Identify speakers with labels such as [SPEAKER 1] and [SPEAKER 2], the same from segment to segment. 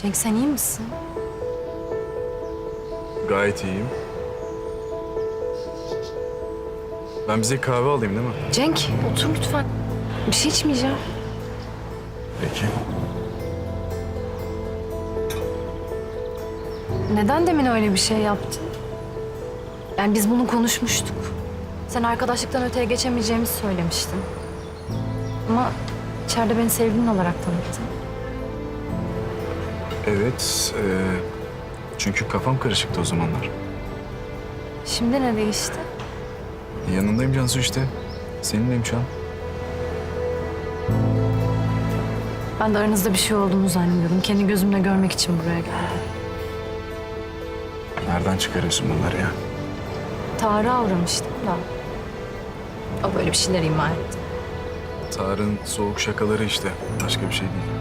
[SPEAKER 1] Cenk sen iyi misin?
[SPEAKER 2] Gayet iyiyim. Ben bize kahve alayım değil mi?
[SPEAKER 1] Cenk otur lütfen. Bir şey içmeyeceğim.
[SPEAKER 2] Peki.
[SPEAKER 1] Neden demin öyle bir şey yaptın? Yani biz bunu konuşmuştuk. Sen arkadaşlıktan öteye geçemeyeceğimizi söylemiştin. Ama içeride beni sevgilin olarak tanıttın.
[SPEAKER 2] Evet. Çünkü kafam karışıktı o zamanlar.
[SPEAKER 1] Şimdi ne değişti?
[SPEAKER 2] Yanındayım Cansu işte. Seninleyim şu an.
[SPEAKER 1] Ben de aranızda bir şey olduğunu zannediyordum. Kendi gözümle görmek için buraya geldim.
[SPEAKER 2] Nereden çıkarıyorsun bunları ya?
[SPEAKER 1] Tarık'a uğramıştım da. O böyle bir şeyler ima etti.
[SPEAKER 2] Tarık'ın soğuk şakaları işte. Başka bir şey değil.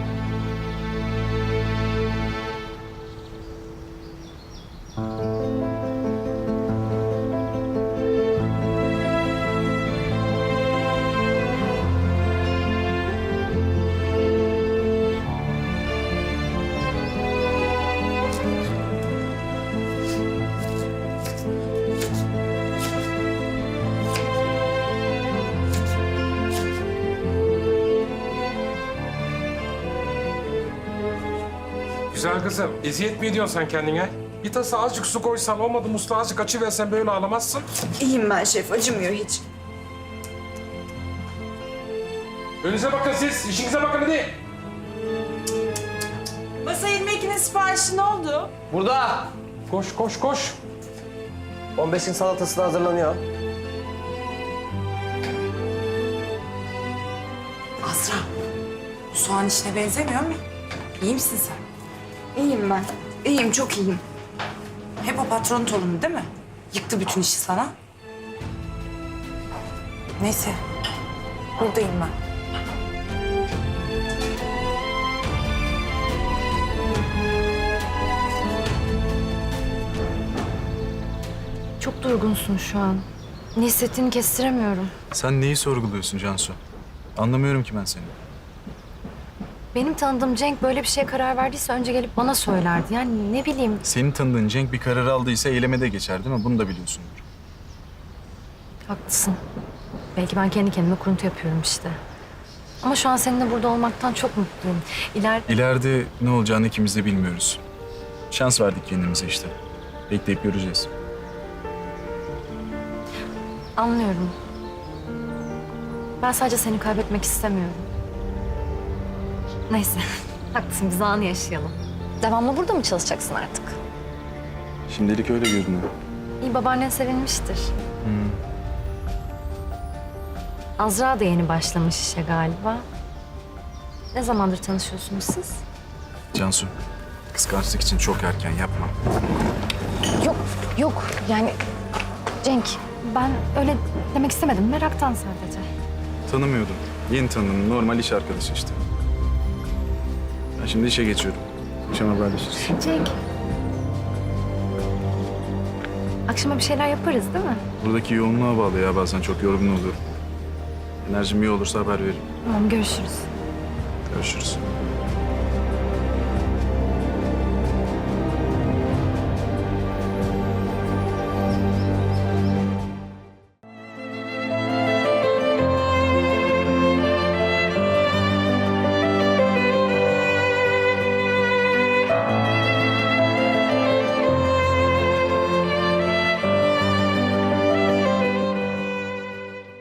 [SPEAKER 3] Güzel kızım, eziyet mi ediyorsun sen kendine? Bir tasa azıcık su koysan olmadı, musluğu azıcık açıversen böyle ağlamazsın.
[SPEAKER 4] İyiyim ben şef, acımıyor hiç.
[SPEAKER 3] Önünüze bakın siz, işinize bakın hadi.
[SPEAKER 4] Masa 22'nin siparişi ne oldu?
[SPEAKER 5] Burada.
[SPEAKER 3] Koş, koş, koş.
[SPEAKER 5] 15'in salatası da hazırlanıyor.
[SPEAKER 4] Azra, bu soğan işine benzemiyor mu? İyi misin sen? İyiyim ben. İyiyim, çok iyiyim. Hep o patron torunu değil mi? Yıktı bütün işi sana. Neyse, buradayım ben.
[SPEAKER 1] Çok durgunsun şu an. Ne hissettiğini kestiremiyorum.
[SPEAKER 2] Sen neyi sorguluyorsun Cansu? Anlamıyorum ki ben seni.
[SPEAKER 1] Benim tanıdığım Cenk böyle bir şeye karar verdiyse önce gelip bana söylerdi. Yani ne bileyim.
[SPEAKER 2] Senin tanıdığın Cenk bir karar aldıysa eyleme de geçer değil mi? Bunu da biliyorsundur.
[SPEAKER 1] Haklısın. Belki ben kendi kendime kuruntu yapıyorum işte. Ama şu an seninle burada olmaktan çok mutluyum.
[SPEAKER 2] İleride ne olacağını ikimiz de bilmiyoruz. Şans verdik kendimize işte. Bekleyip göreceğiz.
[SPEAKER 1] Anlıyorum. Ben sadece seni kaybetmek istemiyorum. Neyse, haklısın. Biz anı yaşayalım. Devamlı burada mı çalışacaksın artık?
[SPEAKER 2] Şimdilik öyle görünüyor.
[SPEAKER 1] İyi, babaannen sevinmiştir. Azra da yeni başlamış işe galiba. Ne zamandır tanışıyorsunuz siz?
[SPEAKER 2] Cansu, kıskançlık için çok erken yapma.
[SPEAKER 1] Yok, yok. Yani Cenk, ben öyle demek istemedim. Meraktan sadece.
[SPEAKER 2] Tanımıyordum. Yeni tanıdım. Normal iş arkadaşı işte. Ben şimdi işe geçiyorum. Akşam haberleşiriz.
[SPEAKER 1] Cenk. Akşama bir şeyler yaparız değil mi?
[SPEAKER 2] Buradaki yoğunluğa bağlı ya. Bazen çok yorgun oluyorum. Enerjim iyi olursa haber veririm.
[SPEAKER 1] Tamam, görüşürüz.
[SPEAKER 2] Görüşürüz.